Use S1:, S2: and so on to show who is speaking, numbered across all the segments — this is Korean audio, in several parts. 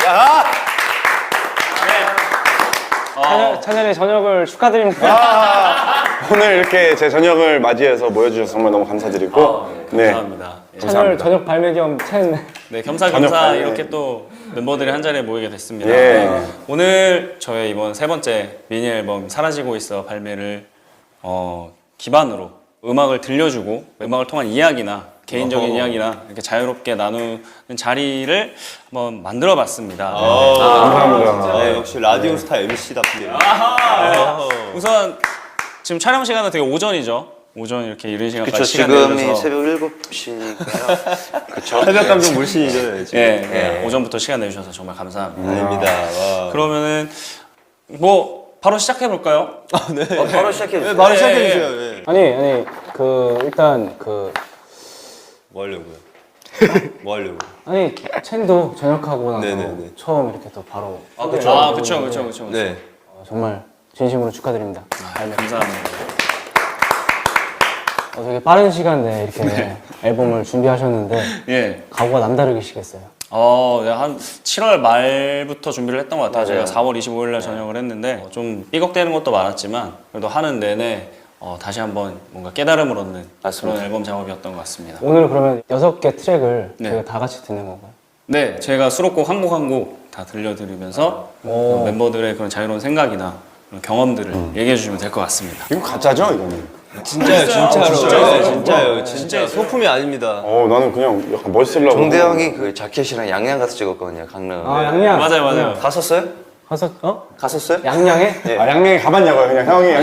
S1: 야!
S2: 찬열의 저녁을 축하드립니다.
S1: 오늘 이렇게 제 저녁을 맞이해서 모여주셔서 정말 너무 감사드리고
S3: 감사합니다.
S2: 찬열 저녁 발매 겸 챈.
S3: 네, 겸사겸사
S1: 발매.
S3: 이렇게 또 멤버들이 한 자리에 모이게 됐습니다.
S1: 예.
S3: 네. 오늘 저의 이번 세 번째 미니 앨범 사라지고 있어 발매를 기반으로 음악을 들려주고 음악을 통한 이야기나 개인적인 이야기나 이렇게 자유롭게 나누는 자리를 한번 만들어봤습니다.
S1: 감사합니다.
S4: 네, 역시 라디오 스타 MC답게.
S3: 우선 지금 촬영 시간은 되게 오전이죠. 오전 이렇게 이른 시간까지
S5: 그쵸,
S3: 시간
S5: 지금이
S3: 내주셔서
S5: 새벽 7시니까요. 그쵸.
S4: 새벽 감정 물씬이죠, 지금.
S3: 예, 오전부터 시간 내주셔서 정말 감사합니다.
S4: 아닙니다. 와.
S3: 그러면은 뭐 바로 시작해 볼까요?
S5: 바로 시작해주세요.
S4: 네, 바로 시작해주세요. 네.
S2: 아니 일단
S4: 뭐 하려고요? 뭐 하려고?
S2: 아니 첸도 전역하고 나서
S4: 네네네.
S2: 처음 이렇게 또 바로.
S3: 그쵸.
S4: 네.
S2: 정말 진심으로 축하드립니다.
S3: 감사합니다.
S2: 되게 빠른 시간 내에 이렇게 앨범을 준비하셨는데
S3: 예.
S2: 각오가 남다르시겠어요.
S3: 네, 한 7월 말부터 준비를 했던 것 같아요.
S5: 맞아요.
S3: 제가 4월 25일 날 전역을 했는데 좀 삐걱대는 것도 많았지만 그래도 하는 내내 다시 한번 뭔가 깨달음을 얻는
S5: 맞습니다.
S3: 그런 앨범 작업이었던 것 같습니다.
S2: 오늘 그러면 6개 트랙을
S3: 네.
S2: 저희가 다 같이 듣는 건가요?
S3: 네, 제가 수록곡 한 곡 한 곡 다 들려드리면서 멤버들의 그런 자유로운 생각이나 그런 경험들을 얘기해 주시면 될 것 같습니다.
S1: 이거 가짜죠, 이거는?
S4: 진짜요, 진짜로. 진짜요, 진짜. 소품이 아닙니다.
S1: 나는 그냥 약간 멋있으려고.
S5: 종대 형이 그 자켓이랑 양양 가서 찍었거든요, 강릉.
S2: 양양.
S3: 맞아요.
S5: 갔었어요?
S2: 가서
S5: 갔었어요?
S2: 양양에?
S1: 양양에 가봤냐고요, 그냥 형이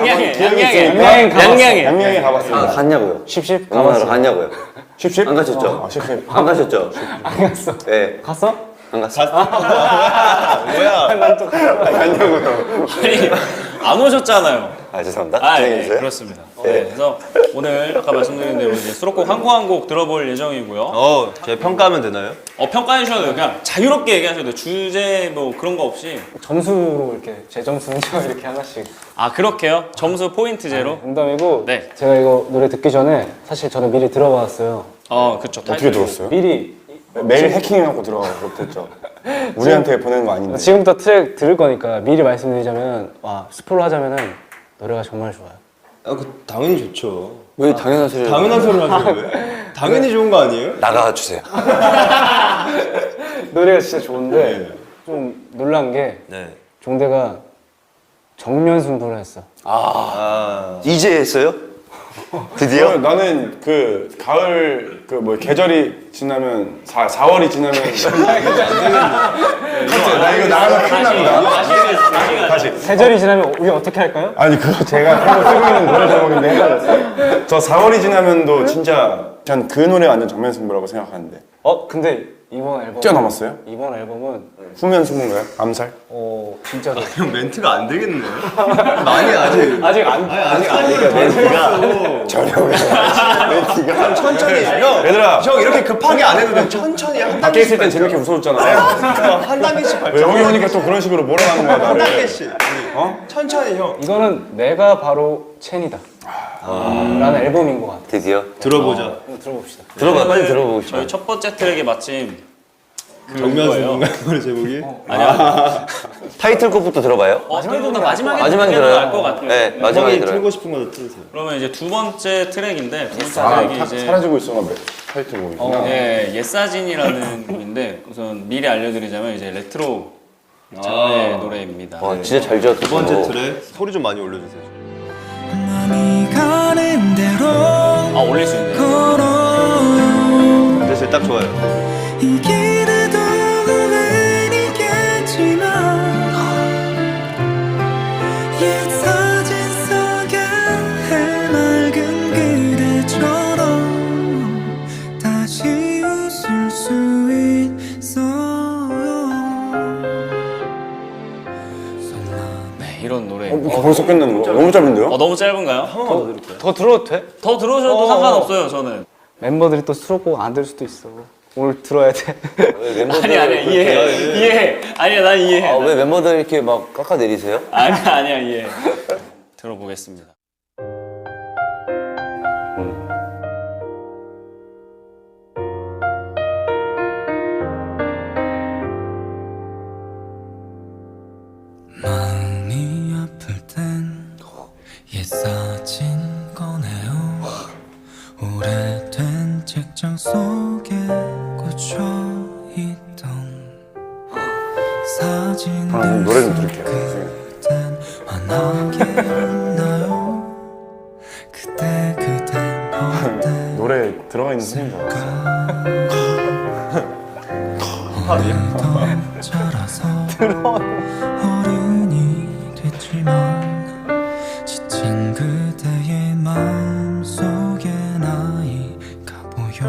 S1: 양양에 가봤습니다.
S5: 갔냐고요?
S2: 십십
S5: 가봤어요.
S2: 가봤어.
S5: 갔냐고요?
S1: 십십?
S5: 안 가셨죠?
S1: 십십.
S5: 안 가셨죠?
S2: 안 갔어.
S5: 네.
S2: 갔어?
S5: 안 갔어요.
S1: 갔냐고요.
S3: 아니, 안 오셨잖아요.
S5: 죄송합니다.
S3: 예,
S5: 진행해주세요.
S3: 그렇습니다. 네, 그래서 오늘 아까 말씀드린 대로 이제 수록곡 한 곡 한 곡 들어볼 예정이고요.
S4: 제가 평가하면 되나요?
S3: 평가해 주셔도 돼요. 그냥 자유롭게 얘기하셔도 돼요. 주제 뭐 그런 거 없이.
S2: 점수로 이렇게 제 점수는요 이렇게 하나씩.
S3: 그렇게요? 점수 포인트제로?
S2: 농담이고
S3: 네.
S2: 제가 이거 노래 듣기 전에 사실 저는 미리 들어봤어요.
S3: 그쵸.
S1: 어떻게 들었어요?
S2: 미리
S1: 매일 해킹해갖고 들어가고 못했죠. 우리한테 보내는 거 아닌데.
S2: 지금부터 트랙 들을 거니까 미리 말씀드리자면 스포를 하자면은 노래가 정말 좋아요.
S4: 당연히 좋죠.
S5: 왜 당연한 소리를.
S4: 당연한 소리를 하세요, 왜? 당연히 좋은 거 아니에요?
S5: 나가주세요.
S2: 노래가 진짜 좋은데 좀 놀란 게
S4: 네.
S2: 종대가 정면 승부를 했어.
S5: 이제 했어요? 드디어?
S1: 나는 그 가을 그 뭐 계절이 지나면 4월이 지나면 나 이거 나가면 큰일 납니다. 다시.
S2: 계절이 지나면 우리 어떻게 할까요?
S1: 아니 그거 제가 새로 쓰고 있는 노래 제목인데 헷갈렸어요. 저 4월이 지나면도 진짜 전 그 노래 완전 정면승부라고 생각하는데
S2: 근데 이번 앨범
S1: 뛰어넘었어요?
S2: 이번 앨범은
S1: 후면승부인가요? 암살?
S2: 진짜로
S4: 형 멘트가 안 되겠네요. 많이 아직
S2: 아직 안
S4: 멘트가
S1: 멘트가
S4: 천천히 형.
S1: 얘들아
S4: 형 이렇게 급하게 안 해도 돼. 천천히 한
S1: 밖에 있을 땐 재밌게 웃어줬잖아요.
S4: 한 단계씩
S1: 왜
S4: 발전.
S1: 여기 오니까 또 그런 식으로 몰아가는 거야
S4: 한
S1: 나를.
S4: 단계씩. 천천히 형.
S2: 이거는 내가 바로 첸이다 라는 앨범인 것 같아.
S5: 드디어?
S4: 들어보자.
S2: 한번 들어봅시다.
S5: 들어봐, 빨리 들어보고 싶어.
S3: 저희 첫 번째 트랙이 마침
S4: 정면 승부인가 노래 제목이?
S5: 타이틀곡부터 들어봐요?
S3: 마지막에
S5: 마지막에 들어요.
S3: 알것 같아요.
S5: 네, 마지막에
S4: 형이
S5: 들어요.
S4: 틀고 싶은 거 틀으세요.
S3: 그러면 이제 두 번째 트랙인데 두 번째 트랙이 이제
S1: 사라지고 있어가 타이틀곡이구나.
S3: 옛사진이라는 곡인데 우선 미리 알려드리자면 이제 레트로 장르의 노래입니다.
S5: 와, 진짜 잘 지었다.
S4: 두 번째 트랙 소리 좀 많이 올려주세요.
S3: 올릴 수 있네요.
S4: 됐어요, 딱 좋아요.
S3: 이런 노래.
S1: 벌써 끝나는 거? 너무 짧은데요?
S3: 너무 짧은가요?
S2: 더 들어도 돼?
S3: 더 들어오셔도 상관없어요, 저는.
S2: 멤버들이 또 수록곡 안 들 수도 있어. 오늘 들어야 돼.
S3: 아니야, 이해해. 아니야, 난 이해해.
S5: 왜 멤버들 이렇게 막 깎아내리세요?
S3: 아니야, 이해해. 들어보겠습니다.
S6: 속에 꽂혀 있던 사진들
S1: 노래 좀 들을게요.
S6: 그땐 환하게 웃나요? 그땐 어때?
S1: 노래 들어가 있는 소리인 줄 알았어.
S6: 오늘도 자라서 어른이 됐지만 지친 그대의 마음속에 나이가 보여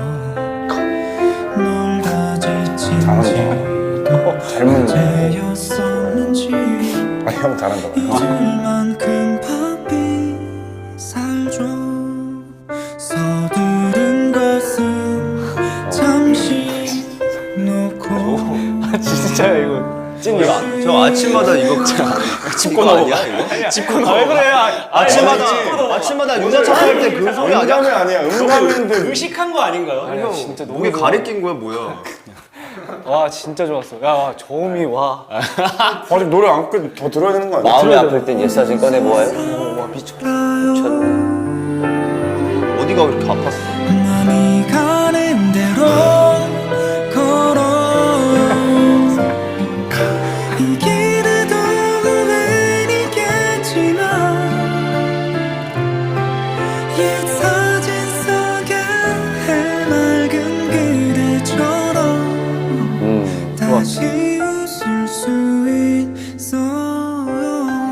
S6: 놀다 지친지도
S1: 젊은
S6: 언제였었는지
S1: 아, 형 잘한다.
S6: 잊을만큼 바삐 살죠 서두른 것은 잠시 놓고
S2: 진짜 이거 찐이야.
S4: 저 아침마다 이거 짚고 아니야 이거? 짚고 나와. 왜 그래? 아침마다 유자차 할 때 그 소리 아니야?
S1: 음감이 아니야. 음감인데
S3: 의식한 거 아닌가요?
S2: 아니야 진짜 너무
S4: 목에
S2: 좋아.
S4: 가래 낀 거야 뭐야?
S2: 와 진짜 좋았어. 야 와, 저음이 와.
S1: 아직 노래 안 끝 더 들어야 되는 거 아니야?
S5: 마음이 아플 땐 옛사진 꺼내보아요.
S4: 어디가 그렇게 아팠어?
S6: 맘이 가는 대로 걸어 이 길에도 우연이겠지만 옛 사진 속에 해맑은 그대처럼 다시 웃을 수 있어요.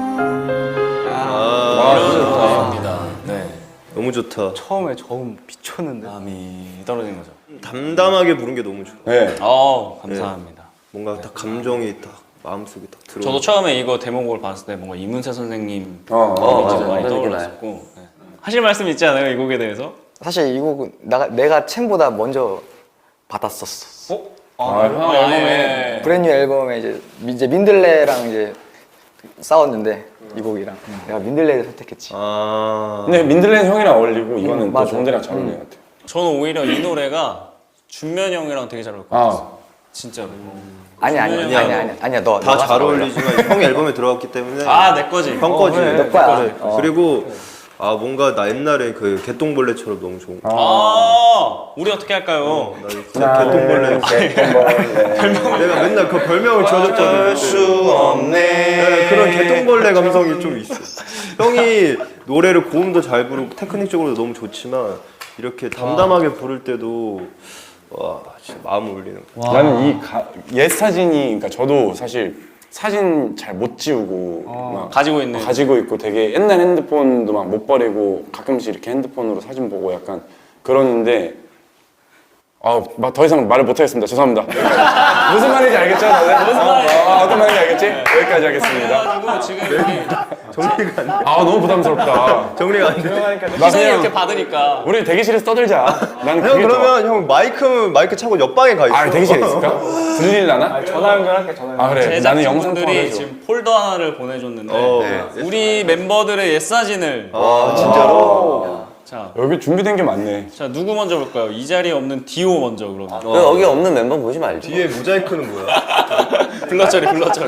S3: 네.
S4: 너무 좋다.
S2: 처음에 저음 미쳤는데.
S3: 마음이 떨어진 거죠.
S4: 담담하게 부른 게 너무 좋아.
S1: 네.
S3: 감사합니다.
S4: 뭔가 딱 감정이 딱 마음속에 딱 들어.
S3: 저도 처음에 이거 데모곡을 봤을 때 뭔가 이문세 선생님
S5: 맞아.
S3: 진짜 많이
S5: 그런 느낌
S3: 떠올랐었고 네. 하실 말씀 있지 않아요? 이 곡에 대해서?
S7: 사실 이 곡은 내가 챔보다 먼저 받았었어.
S1: 형
S3: 앨범에
S7: 브랜뉴 앨범에 이제 민들레랑 이제 싸웠는데 이 곡이랑 내가 민들레를 선택했지.
S4: 아.
S1: 근데 민들레는 형이랑 어울리고 이거는 또
S7: 맞아.
S1: 정대랑 잘 어울리는 것 같아요.
S3: 저는 오히려 이 노래가 준면 형이랑 되게 잘 어울릴 것 같았어요. 진짜로.
S7: 아니야 너
S4: 다
S7: 너가
S4: 잘
S7: 어울려.
S4: 어울리지만 형 앨범에 들어갔기 때문에
S3: 내 거지.
S4: 형 거지.
S7: 너 거야.
S4: 그리고 아 뭔가 나 옛날에 그 개똥벌레처럼 너무 좋은 거.
S3: 우리 어떻게 할까요?
S4: 나 진짜 개똥벌레. 내가 맨날 그 별명을 지어줬거든. 수 없네. 그런 개똥벌레 감성이 좀 있어. 형이 노래를 고음도 잘 부르고 테크닉적으로도 너무 좋지만 이렇게 담담하게 부를 때도 와 진짜 마음 울리는 거.
S1: 나는 옛 사진이, 그러니까 저도 사실 사진 잘 못 지우고 막
S3: 가지고 있는.
S1: 가지고 있고 되게 옛날 핸드폰도 막 못 버리고 가끔씩 이렇게 핸드폰으로 사진 보고 약간 그러는데 막 더 이상 말을 못 하겠습니다. 죄송합니다. 무슨 말인지 알겠죠? 다들? 무슨 말인지 어떤 말인지 알겠지? 여기까지 하겠습니다.
S3: 그래가지고 지금 여기
S4: 정리가 안 돼.
S1: 너무 부담스럽다.
S4: 정리가 안 돼.
S1: 나
S3: 시선이
S1: 그냥
S3: 이렇게 받으니까.
S1: 우리 대기실에서 떠들자. 나는
S4: 형
S1: 그게 좋아.
S4: 그러면 형 마이크 차고 옆방에 가 있어.
S1: 대기실에 있을까? 들릴 라나?
S2: 전화 연결할게 전화 연결.
S1: 그래. 나는 영상
S3: 제작진분들이
S1: 통화해줘.
S3: 지금 폴더 하나를 보내줬는데
S4: 네.
S3: 우리 멤버들의 옛 사진을
S4: 아 진짜로?
S1: 여기 준비된 게 많네.
S3: 자 누구 먼저 볼까요? 이 자리에 없는 디오 먼저 그러면.
S5: 여기 없는 멤버 보지 말죠.
S4: 뒤에 모자이크는 뭐야?
S3: 블러처리.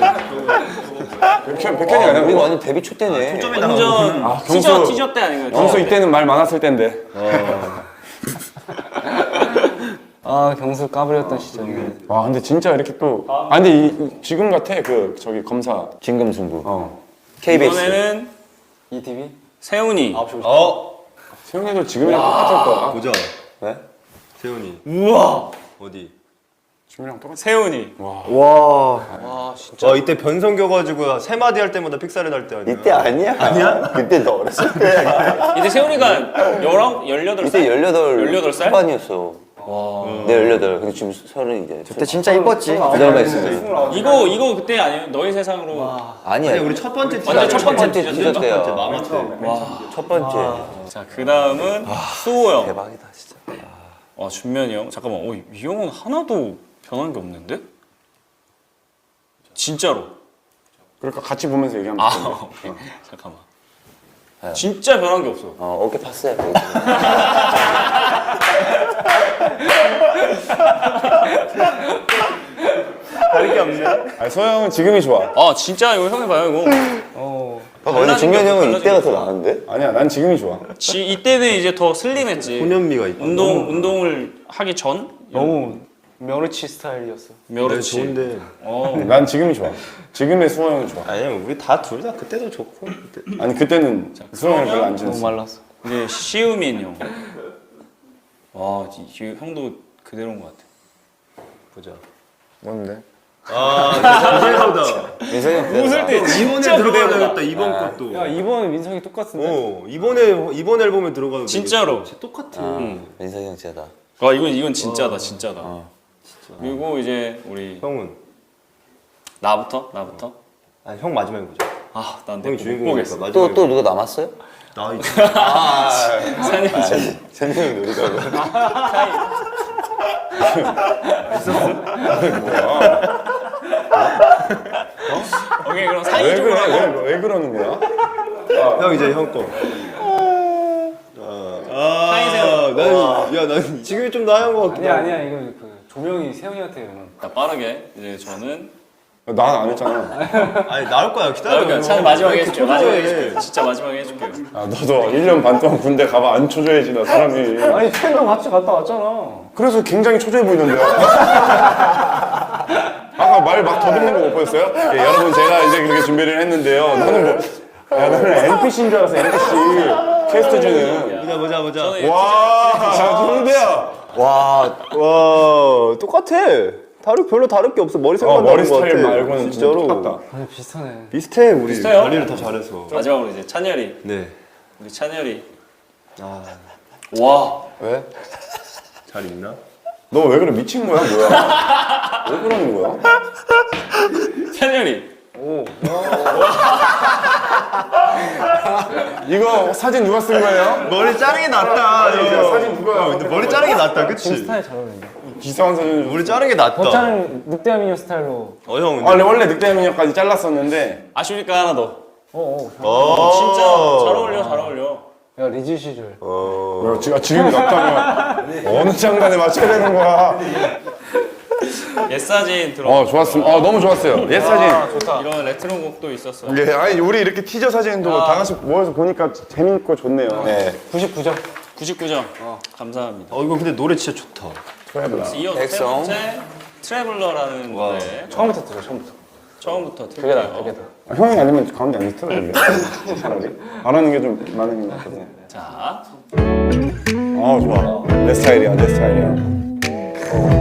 S1: 백현이 아니야?
S5: 우리 완전 데뷔 초 때네.
S3: 완전
S1: 경수.
S3: 티저 때 아닌가요?
S1: 경수 이때는 말 많았을 텐데.
S2: 경수 까불였던 시절이네.
S1: 와 근데 진짜 이렇게 또. 근데 지금 같아 그 저기 검사.
S5: 진금승부. KBS.
S3: 이번에는
S2: ETV?
S3: 세훈이.
S1: 세영이도 지금이랑 똑같을 거야.
S4: 보자.
S5: 네?
S4: 세훈이.
S3: 우와.
S4: 어디?
S1: 지금이랑 똑같아.
S3: 세훈이.
S4: 와 이때 변성 겨가지고 세 마디 할 때마다 픽사를 할 때 아니야?
S5: 이때 아니야? 그때 너 어렸을 때.
S3: 이때 세훈이가 18살?
S5: 이때
S3: 18살?
S5: 후반이었어. 네 18. 근데 지금 30 이제.
S7: 그때 진짜 이뻤지.
S5: 부담가 있습니다.
S3: 이거 그때 아니에요? 너의 세상으로.
S5: 아니야.
S4: 아니 우리 첫 번째
S3: 완전 첫 번째
S5: 티저
S3: 티저
S5: 때요.
S4: 마마 때.
S5: 첫 번째.
S3: 자, 그 다음은 수호 형.
S5: 대박이다 진짜.
S3: 준면이 형. 잠깐만, 이 형은 하나도 변한 게 없는데? 진짜로.
S1: 그러니까 같이 보면서 얘기하면 돼.
S3: 오케이. 잠깐만. 진짜 변한 게 없어.
S5: 어깨 팠어요.
S4: 다른 게 없네.
S1: 아니 소영은 지금이 좋아.
S3: 아 진짜 이거 형이 봐요 이거.
S5: 봐봐, 근데 중현이 형은
S3: 달라진
S5: 이때가
S3: 게
S5: 더 나은데?
S1: 아니야, 난 지금이 좋아.
S3: 이때는 이제 더 슬림했지.
S4: 소년미가 있다.
S3: 운동을 하기 전
S2: 너무 며느치 스타일이었어.
S3: 멸치.
S4: 좋은데.
S1: 난 지금이 좋아. 지금의 수영이 좋아.
S4: 아니야, 우리 다 둘 다 그때도 좋고. 그때.
S1: 아니 그때는 수영을 별로 안
S2: 너무
S1: 지냈어.
S2: 말랐어.
S3: 이제 시우민 형. 와, 형도 그대로인 것 같아.
S4: 보자.
S7: 뭔데?
S4: 아, 그대로다.
S5: 민성이 형
S3: 웃을 때
S4: 이번에 들어가야겠다. 이번 것도.
S2: 야 이번 민성이 똑같은데.
S4: 이번 앨범에 들어가도
S3: 진짜로.
S4: 되겠다. 똑같아.
S5: 민성이 형 쟤다.
S3: 와, 이건 진짜다, 진짜다. 그리고 이제 우리
S4: 형은?
S3: 나부터.
S4: 아, 형 마지막에 보자.
S3: 아, 난
S4: 형이
S3: 못
S4: 주인공이니까
S3: 보겠어.
S4: 마지막에.
S5: 또 누가 남았어요?
S4: 나 있지.
S5: 찬이 형 놀이가고.
S3: 오케이, 그럼
S1: 왜
S3: 사이좋으로 하고.
S1: 그래? 왜 그러는 거야?
S4: 형 이제 형 거. 난 지금이 좀 나은 것 같긴
S2: 아니야 이거 그 조명이 세영이한테 오는.
S3: 자, 빠르게 이제 저는
S1: 난 안 했잖아.
S4: 아니 나올 거야 기다려.
S3: 그러니까 차라리 마지막에
S4: 이렇게
S3: 해줄게요. 마지막에
S4: 초조해.
S3: 해줄게요. 진짜 마지막에 해줄게요.
S1: 아, 너도 1년 반 동안 군대 가봐 안 초조해지나 사람이.
S2: 아니 팬도 같이 갔다 왔잖아.
S1: 그래서 굉장히 초조해 보이던데요. 아까 말 막 더듬는 거 못 보였어요? 예, 여러분 제가 이제 그렇게 준비를 했는데요. 너는 뭐? 야, 너는 NPC인 줄 알았어. NPC 캐스트즈는.
S4: 보자.
S3: 저는
S1: 와, 정대야.
S4: 와 똑같아. 별로 다를 게 없어. 머리 색만
S1: 머리
S4: 다른 것
S1: 스타일
S4: 같아.
S1: 말고는 진짜
S4: 진짜로
S1: 똑같다.
S2: 아니 비슷하네.
S4: 비슷해. 우리
S3: 비슷해요?
S4: 관리를 더 잘해서.
S3: 마지막으로 이제 찬열이.
S4: 네.
S3: 우리 찬열이.
S4: 아,
S3: 와.
S7: 왜?
S4: 잘 있나?
S1: 너 왜 그래? 미친 거야, 뭐야? 왜 그러는 거야?
S3: 찬열이.
S1: 이거 사진 누가 쓴 거예요?
S4: 머리 자르는 게 낫다.
S1: 이거 사진 누가?
S4: 근데 머리 자르는 게 낫다. 그치?
S2: 스타일 잘 어울린다.
S1: 기사한 사진.
S4: 머리 자르는 게 낫다.
S2: 버차는 늑대와 미녀 스타일로.
S4: 형
S1: 아, 원래 늑대 미녀까지 잘랐었는데.
S3: 아쉬우니까 하나 더.
S4: 진짜
S3: 잘 어울려.
S2: 야 리즈 시절.
S1: 야, 지금이 낫다면 어느 장단에 맞춰야 되는 거야?
S3: 옛 사진 들어.
S1: 좋았습니다. 너무 좋았어요. 옛 사진.
S3: 이런 레트로 곡도 있었어요.
S1: 예, 아니 우리 이렇게 티저 사진도 다 같이 모여서 보니까 재밌고 좋네요. 네.
S2: 99점.
S3: 99점. 감사합니다.
S4: 이거 근데 노래 진짜 좋다.
S3: 이어서 세
S5: 백성.
S3: 번째 트래블러라는 노래
S2: 처음부터 들어 처음부터.
S3: 처음부터
S2: 그게 나
S3: 틀게요.
S2: 그게 나.
S1: 형이 아니면 가운데 안 틀어줄래? 차라리. 안 하는 게 좀 많은 것 같거든요.
S3: 자,
S1: 좋아. 내 스타일이야, 내 스타일이야.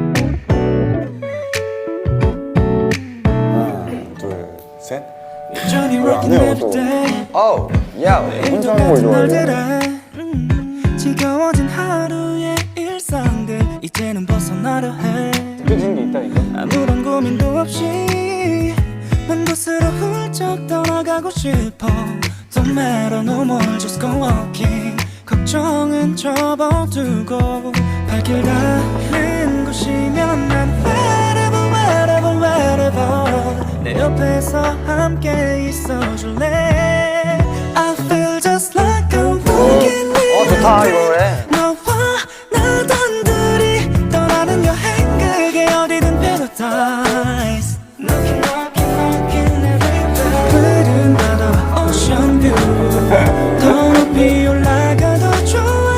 S1: 하나, 둘, 셋.
S6: Johnny
S1: 왜안
S6: working
S1: 해요,
S6: every
S1: 또?
S6: day
S7: 아우 야
S1: 혼자 하는 걸 좋아해.
S6: 날들에 지겨워진 하루의 일상들 이제는 벗어나려 해
S2: 느껴지는 게 있다니까.
S6: 아무런 고민도 없이 먼 곳으로 훌쩍 떠나가고 싶어 Don't matter no more just go walking 걱정은 접어두고 발길 닿는 곳이면 난 wherever wherever wherever 내 옆에서 함께 있어줄래 I feel just like I'm walking with
S7: 좋다 이 노래.
S6: 너와 나 단둘이 떠나는 여행 그게 어디든 paradise Knocking knocking knocking everywhere 푸른 바다와 ocean view 더 높이 올라가도 좋아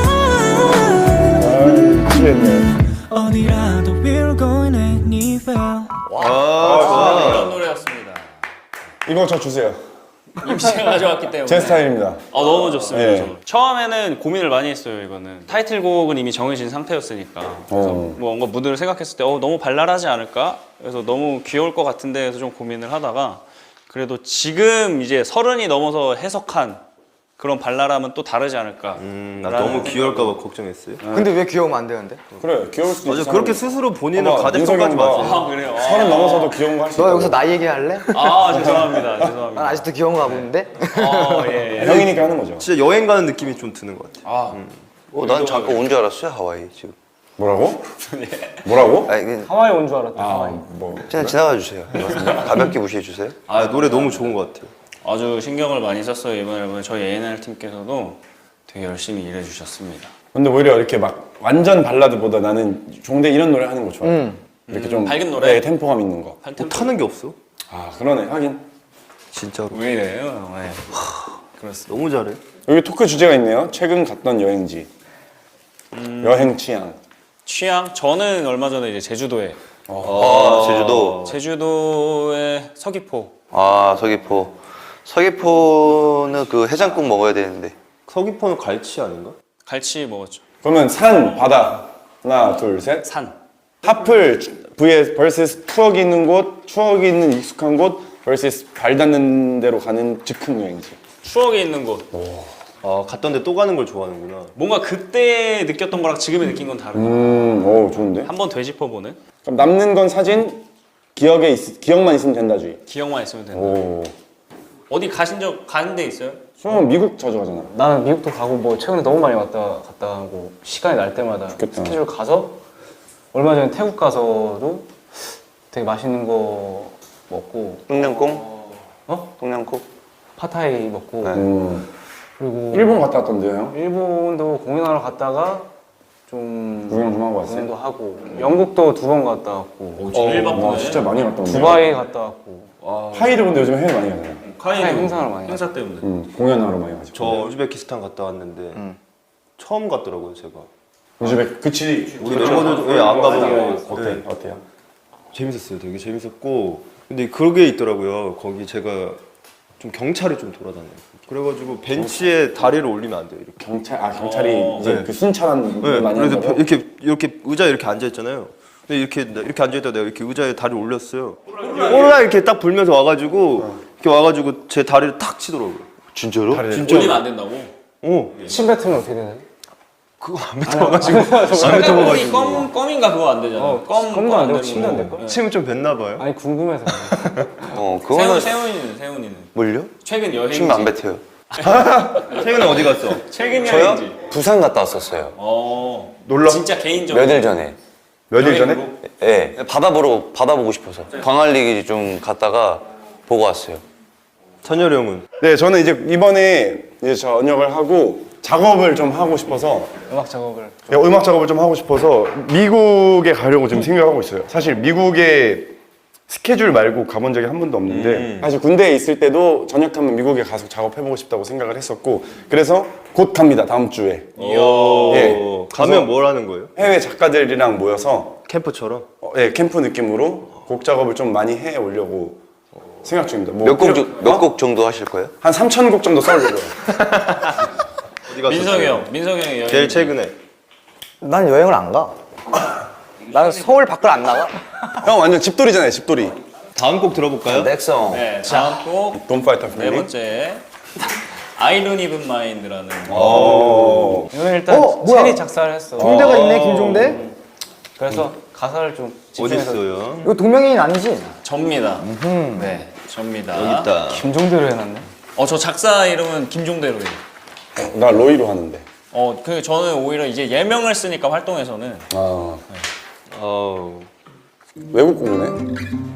S6: 어디라도 we're going anywhere
S3: 이런 노래였습니다.
S1: 이거 저 주세요.
S3: 임시가 가져왔기 때문에.
S1: 제 스타일입니다.
S3: 너무 좋습니다.
S1: 네.
S3: 저. 처음에는 고민을 많이 했어요. 이거는 타이틀곡은 이미 정해진 상태였으니까. 그래서 뭔가 무드를 생각했을 때 너무 발랄하지 않을까? 그래서 너무 귀여울 것 같은데 해서 좀 고민을 하다가 그래도 지금 이제 30이 넘어서 해석한 그런 발랄함은 또 다르지 않을까.
S4: 나 너무 귀여울까봐 걱정했어요.
S7: 근데 왜 귀여우면 안 되는데?
S1: 그래, 귀여울 수도 있어.
S4: 맞아, 그렇게 스스로 본인을
S1: 봐봐,
S4: 가대평가하지
S1: 민석이
S4: 마세요.
S3: 아, 그래요?
S1: 30 넘어서도 귀여운 거 할 수 있어.
S7: 너 여기서 나이 얘기할래?
S3: 죄송합니다.
S7: 난
S3: 죄송합니다.
S7: 아직도 귀여운 거 하고 있는데?
S3: 예.
S1: 형이니까 하는 거죠.
S4: 진짜 여행 가는 느낌이 좀 드는 것 같아.
S5: 난 잠깐 온 줄 알았어요, 하와이 지금.
S1: 뭐라고? 뭐라고?
S5: 아니, 그냥
S2: 하와이 온 줄 알았다. 하와이.
S1: 뭐.
S5: 그냥 지나가 주세요. 가볍게 무시해 주세요.
S4: 노래 너무 좋은 것 같아요.
S3: 아주 신경을 많이 썼어요. 이번 앨범에 저희 A&R 팀께서도 되게 열심히 일해주셨습니다.
S1: 근데 오히려 이렇게 막 완전 발라드보다 나는 종대 이런 노래 하는 거 좋아해. 이렇게 좀
S3: 밝은 노래?
S1: 네, 템포감 있는 거.
S3: 할 템포.
S4: 타는 게 없어.
S1: 아 그러네 하긴.
S4: 진짜로.
S3: 왜 이래요? 네. 그렇습니다.
S4: 너무 잘해.
S1: 여기 토크 주제가 있네요. 최근 갔던 여행지. 여행 취향.
S3: 취향? 저는 얼마 전에 이제 제주도에
S5: 제주도.
S3: 제주도의 서귀포.
S5: 아, 서귀포. 서귀포는 그 해장국 먹어야 되는데.
S4: 서귀포는 갈치 아닌가?
S3: 갈치 먹었죠.
S1: 그러면 산, 바다. 하나, 둘, 셋.
S3: 산.
S1: 하플 vs vs 추억이 있는 곳, 추억이 있는 익숙한 곳 vs 발 닿는 대로 가는 즉흥 여행지.
S3: 추억이 있는 곳.
S4: 아, 갔던데 또 가는 걸 좋아하는구나.
S3: 뭔가 그때 느꼈던 거랑 지금에 느낀 건 다르다.
S1: 오 좋은데.
S3: 한번 되짚어보는?
S1: 그럼 남는 건 사진, 기억만 있으면 된다주의.
S3: 기억만 있으면 된다.
S1: 오.
S3: 어디 가는 데 있어요?
S1: 수영은 미국 자주 가잖아.
S2: 나는 미국도 가고 뭐 최근에 너무 많이 갔다 하고 시간이 날 때마다
S1: 좋겠다.
S2: 스케줄 가서 얼마 전에 태국 가서도 되게 맛있는 거 먹고
S5: 똥냥꿍?
S2: 어?
S5: 똥냥꿍?
S2: 팟타이 먹고
S5: 네.
S2: 그리고
S1: 일본 갔다 왔던데요, 형?
S2: 일본도 공연하러 갔다가 좀
S1: 구경 좀 하고 왔어요?
S2: 공연도 하고 영국도 2번 갔다 왔고
S3: 제일 바쁘네.
S1: 와 진짜 많이 갔다 왔네.
S2: 두바이 갔다 왔고
S1: 하이를 근데 요즘 해외 많이 가잖아요.
S3: 카이는
S2: 행사를 많이
S3: 행사 때문에.
S1: 공연하러 많이 가죠.
S4: 저 우즈베키스탄 갔다 왔는데 처음 갔더라고요, 제가.
S1: 우즈벡 그치.
S4: 우리 멤버들 중에 안 가보고.
S1: 어때?
S4: 네.
S1: 어때요?
S4: 재밌었어요. 되게 재밌었고. 근데 그게 있더라고요. 거기 제가 좀 경찰이 좀 돌아다녀요. 그래가지고 벤치에 다리를 올리면 안 돼요. 이렇게.
S1: 경찰이 이제
S4: 네.
S1: 그 순찰한 걸
S4: 네,
S1: 많이
S4: 그래서
S1: 한다고?
S4: 이렇게 의자에 이렇게 앉아 있잖아요. 근데 이렇게 앉아 있다 내가 이렇게 의자에 다리를 올렸어요. 오라 이렇게 딱 불면서 와가지고 제 다리를 탁 치더라고요.
S5: 진짜로?
S3: 올리면 안 된다고?
S2: 침 뱉으면 어떻게 되나요?
S4: 그거 안 뱉어가지고 안 뱉어가지고
S3: 껌인가 그거 안 되잖아.
S2: 껌도 안 되고 침도 안
S3: 되는
S2: 될걸?
S4: 침은 좀 뱉나 봐요.
S2: 아니 궁금해서
S5: 그거는
S3: 세훈이는
S5: 뭘요?
S3: 최근 여행지.
S5: 침 안 뱉어요.
S4: 최근에 어디 갔어?
S3: 최근
S5: 저요?
S3: 여행지.
S5: 부산 갔다 왔었어요.
S1: 놀러?
S3: 진짜 개인적으로.
S5: 몇 일 전에.
S1: 며칠 전에?
S5: 예. 네, 바다 보고 싶어서. 광안리 좀 갔다가 보고 왔어요.
S4: 찬열이 형은
S1: 네, 저는 이제 이번에 이제 전역을 하고 작업을 좀 하고 싶어서
S2: 음악 작업을
S1: 음악 작업을 좀 하고 싶어서 미국에 가려고 지금 생각하고 있어요. 사실 미국에 스케줄 말고 가본 적이 한 번도 없는데 사실 군대에 있을 때도 전역하면 미국에 가서 작업해보고 싶다고 생각을 했었고 그래서 곧 갑니다. 다음 주에 예.
S4: 가면 뭘 하는 거예요?
S1: 해외 작가들이랑 모여서
S4: 캠프처럼?
S1: 예, 캠프 느낌으로 곡 작업을 좀 많이 해 오려고 생각 중입니다. 뭐
S5: 몇 곡 정도 하실 거예요?
S1: 한 3,000곡 정도 써오려고요.
S4: 어디 갔어?
S3: 민석이 형이 여행.
S4: 제일 최근에
S7: 난 여행을 안 가. 나는 서울 밖을 안 나가.
S1: 형 완전 집돌이잖아요, 집돌이.
S4: 다음 곡 들어볼까요?
S7: 넥성.
S3: 네, 다음 곡
S1: Don't fight for
S3: 네
S1: me.
S3: 번째 I don't even mind라는.
S2: 이거는 일단
S7: 뭐야?
S2: 체리 작사를 했어.
S7: 종대가 있네, 김종대.
S2: 그래서 가사를 좀
S4: 어디
S2: 집중해서
S4: 있어요?
S7: 이거 동명이인 아니지?
S3: 접니다. 네, 접니다.
S4: 여기 있다.
S2: 김종대로 해놨네.
S3: 저 작사 이름은 김종대로예요.
S1: 나 로이로 하는데.
S3: 저는 오히려 이제 예명을 쓰니까 활동에서는
S1: 외국 곡이네.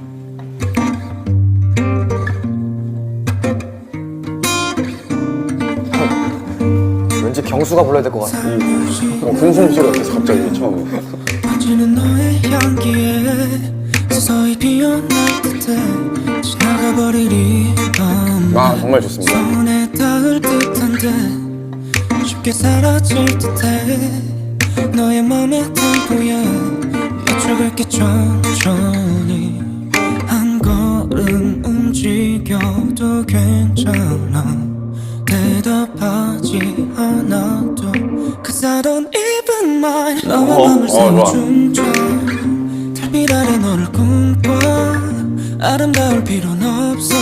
S7: 왠지 경수가 불러야 될 것 같아.
S1: 궁금소리가 계속 갑자기 처음에.
S6: 번지는 너의 향기에 서서히 피어날 듯해 지나가버릴 이 밤
S1: 아 정말 좋습니다.
S6: 손에 닿을 듯한데 쉽게 사라질 듯해 너의 맘의 템포에 맞춰갈게 천천히 한 걸음 움직여도 괜찮아 대답하지 않아도 Cause I don't even mind 너와 맘을 새로 춤춰 달빛 아래 너를 꿈꿔 아름다울 필요는 없어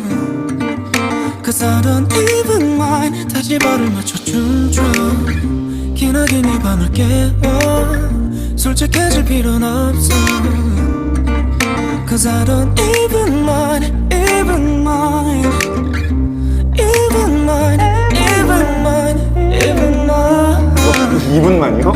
S6: Cause I don't even mind 다시 발을 맞춰 춤춰 기나긴 이 밤을 깨워 솔직해질 필요는 없어 Cause I don't even mind even mind even mind even mind even mind
S1: 2분만이요?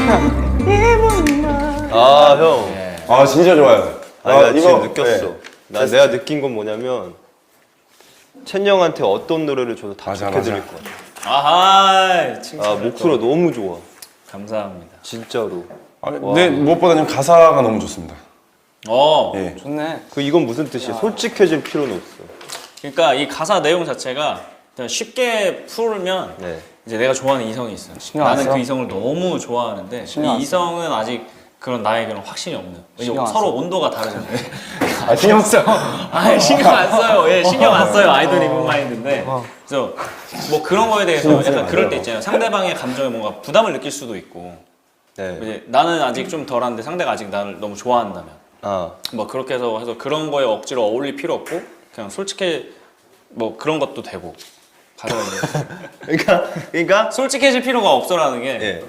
S4: 아, 형.
S1: 아 진짜 좋아요.
S4: 나 지금 느꼈어.
S1: 네.
S4: 내가 느낀 건 뭐냐면 첸 형한테 어떤 노래를 줘도 다
S1: 맞아,
S4: 좋게
S1: 맞아.
S4: 들릴 것 같아.
S3: 아하 칭찬.
S4: 아, 목소리가 너무 좋아.
S3: 감사합니다.
S4: 진짜로.
S1: 네, 무엇보다는 가사가 너무 좋습니다. 예.
S2: 좋네.
S4: 그 이건 무슨 뜻이야? 솔직해질 필요는 없어.
S3: 그러니까 이 가사 내용 자체가 그냥 쉽게 풀면
S4: 네.
S3: 이제 내가 좋아하는 이성이 있어.
S2: 신경 안
S3: 나는
S2: 써?
S3: 그 이성을 너무 좋아하는데
S2: 신경 안
S3: 이 이성은 아직 그런 나의 그런 확신이 없는.
S2: 신경 안
S3: 서로
S2: 써?
S3: 온도가 다르잖아요.
S2: 아, 신경 써.
S3: 아 신경 안 써요. 예, 신경 안 써요. 아이돌 이분 마인드인데. 그래서 뭐 그런 거에 대해서 약간 그럴 때 있잖아요. 상대방의 감정에 뭔가 부담을 느낄 수도 있고.
S4: 네.
S3: 이제 나는 아직 좀 덜한데 상대가 아직 나를 너무 좋아한다면.
S4: 아.
S3: 뭐 그렇게 해서 그런 거에 억지로 어울릴 필요 없고 그냥 솔직히 뭐 그런 것도 되고 가사가 이제
S4: 그러니까
S3: 솔직해질 필요가 없어라는 게
S4: 예.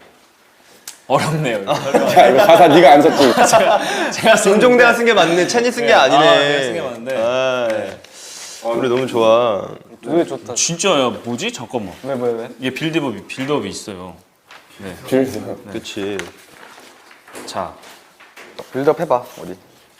S3: 어렵네요. 이거.
S1: 야, 이거 가사 네가 안 썼지.
S3: 제가
S4: 김종대가 쓴 게 맞네. 찬이 쓴 게
S3: 네.
S4: 아니네.
S3: 아, 내가 쓴게 맞는데.
S4: 아, 노래 너무 좋아.
S2: 노래 좋다.
S3: 진짜야 뭐지? 잠깐만.
S2: 왜?
S3: 이게 빌드업이 있어요. 네.
S1: 빌드.
S4: 그렇지.
S3: 자
S7: 빌드업 해봐 우리.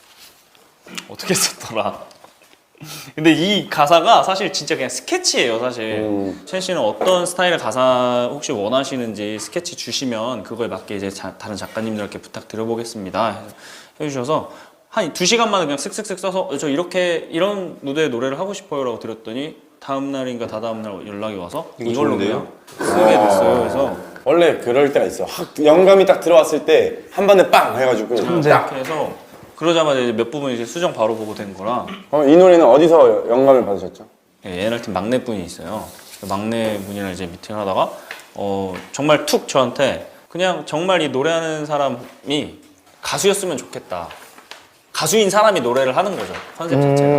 S3: 어떻게 썼더라? 근데 이 가사가 사실 진짜 그냥 스케치예요 사실. 첸 씨는 어떤 스타일의 가사 혹시 원하시는지 스케치 주시면 그거에 맞게 이제 다른 작가님들께 부탁드려보겠습니다 해주셔서 한 2시간만에 그냥 쓱쓱쓱 써서 저 이렇게 이런 무대의 노래를 하고 싶어요 라고 드렸더니 다음 날인가 다다음 날 연락이 와서 이걸로
S4: 좋은데요?
S3: 그냥 쓰게 됐어요. 그래서
S1: 원래 그럴 때가 있어. 확 영감이 딱 들어왔을 때 한 번에 빵 해가지고.
S3: 이렇게 해서 그러자마자 이제 몇 부분 이제 수정 바로 보고 된 거라.
S1: 이 노래는 어디서 영감을 받으셨죠?
S3: 예, NR팀 막내분이 있어요. 그 막내분이랑 이제 미팅을 하다가 정말 툭 저한테 그냥 정말 이 노래하는 사람이 가수였으면 좋겠다. 가수인 사람이 노래를 하는 거죠. 컨셉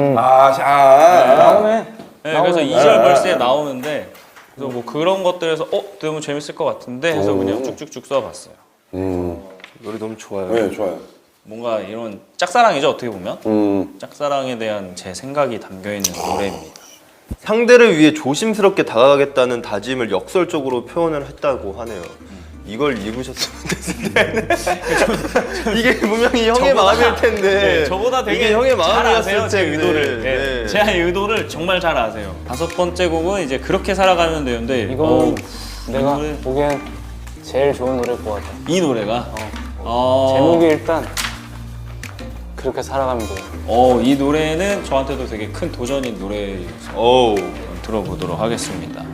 S3: 자체가.
S2: 나오네.
S3: 네, 그래서 2절 벌스에 나오는데 그래서 뭐 그런 것들에서 너무 재밌을 것 같은데 해서 그냥 쭉쭉쭉 써봤어요.
S4: 노래 너무 좋아요.
S1: 네, 좋아요.
S3: 뭔가 이런 짝사랑이죠 어떻게 보면.
S1: 음.
S3: 짝사랑에 대한 제 생각이 담겨있는 노래입니다.
S4: 상대를 위해 조심스럽게 다가가겠다는 다짐을 역설적으로 표현을 했다고 하네요. 이걸 읽으셨으면 됐을 텐데 이게 분명히 형의 마음일 텐데
S3: 네, 저보다 되게
S4: 이게 형의
S3: 잘
S4: 마음이었을
S3: 아세요 제
S4: 텐데.
S3: 의도를.
S4: 네.
S3: 네. 제 의도를 정말 잘 아세요. 5번째 곡은 이제 그렇게 살아가면 되는데
S2: 이건 내가
S3: 노래-
S2: 보기엔 제일 좋은 노래일 것 같아.
S3: 이 노래가
S2: 제목이 일단 그렇게 살아가면 돼.
S3: 이 노래는 저한테도 되게 큰 도전인 노래여서
S4: 어우.
S3: 들어보도록 하겠습니다.